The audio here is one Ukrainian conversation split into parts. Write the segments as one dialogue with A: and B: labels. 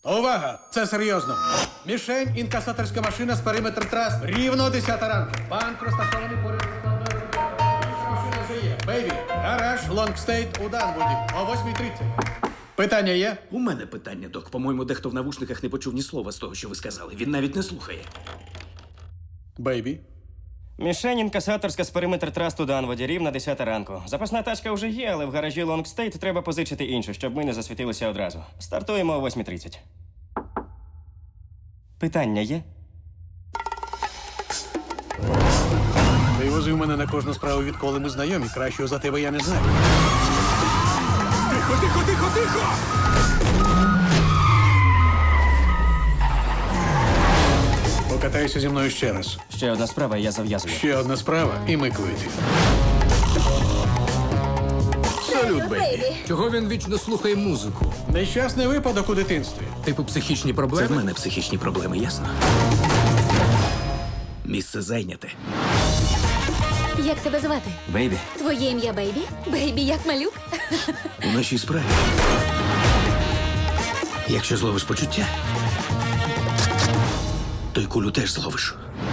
A: Увага! Це серйозно. Мішень, інкасаторська машина з периметр трас. Рівно 10 ранку. Банк розташований поряд з складною рукою. Інша машина вже є. Бейбі, гараж, Лонгстейт у Данвуді о 8:30. Питання є?
B: У мене питання, док. По-моєму, дехто в навушниках не почув ні слова з того, що ви сказали. Він навіть не слухає.
A: Бейбі.
C: Мішень інкасаторська з периметр трасту Данводі, рівно 10 ранку. Запасна тачка вже є, але в гаражі Лонгстейт треба позичити іншу, щоб ми не засвітилися одразу. Стартуємо о 8:30. Питання є?
A: Ти возив мене на кожну справу, відколи ми знайомі. Кращого за тебе я не знаю.
B: Тихо, тихо, тихо, тихо!
A: Покатайся зі мною ще раз.
C: Ще одна справа, і я зав'язую.
A: Ще одна справа, і ми квити.
B: Салют, бейбі.
D: Чого він вічно слухає музику?
A: Нещасний випадок у дитинстві.
D: Типу психічні
B: Це
D: проблеми?
B: в мене психічні проблеми, ясно? Місце зайняте.
E: Як тебе звати?
C: Бейбі.
E: Твоє ім'я Бейбі? Бейбі як малюк?
B: У нашій справі. Якщо зловиш почуття, то й кулю теж зловиш.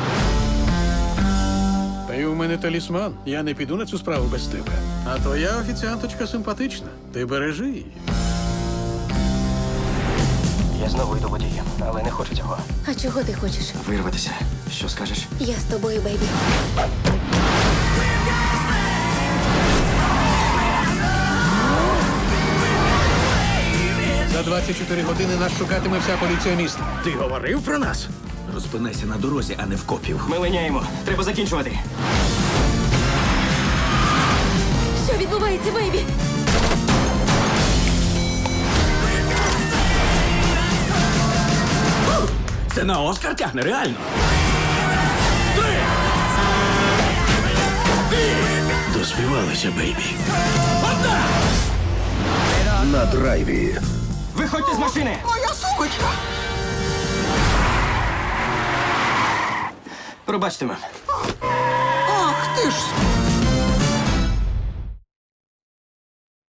A: Ти у мене талісман. Я не піду на цю справу без тебе. А твоя офіціанточка симпатична. Ти бережи її.
C: Я знову йду водієм, але не хочу цього.
E: А чого ти хочеш?
C: Вирватися. Що скажеш?
E: Я з тобою, Бейбі.
A: За 24 години нас шукатиме вся поліція міста.
B: Ти говорив про нас? Розпинайся на дорозі, а не в копів.
C: Ми линяємо. Треба закінчувати.
E: Що відбувається, Бейбі?
B: Це на Оскар тягне, реально. Доспівалися, бейбі.
F: На драйві.
C: Виходьте з машини!
G: Моя сумочка!
C: Пробачте, мем.
G: Ах ти ж!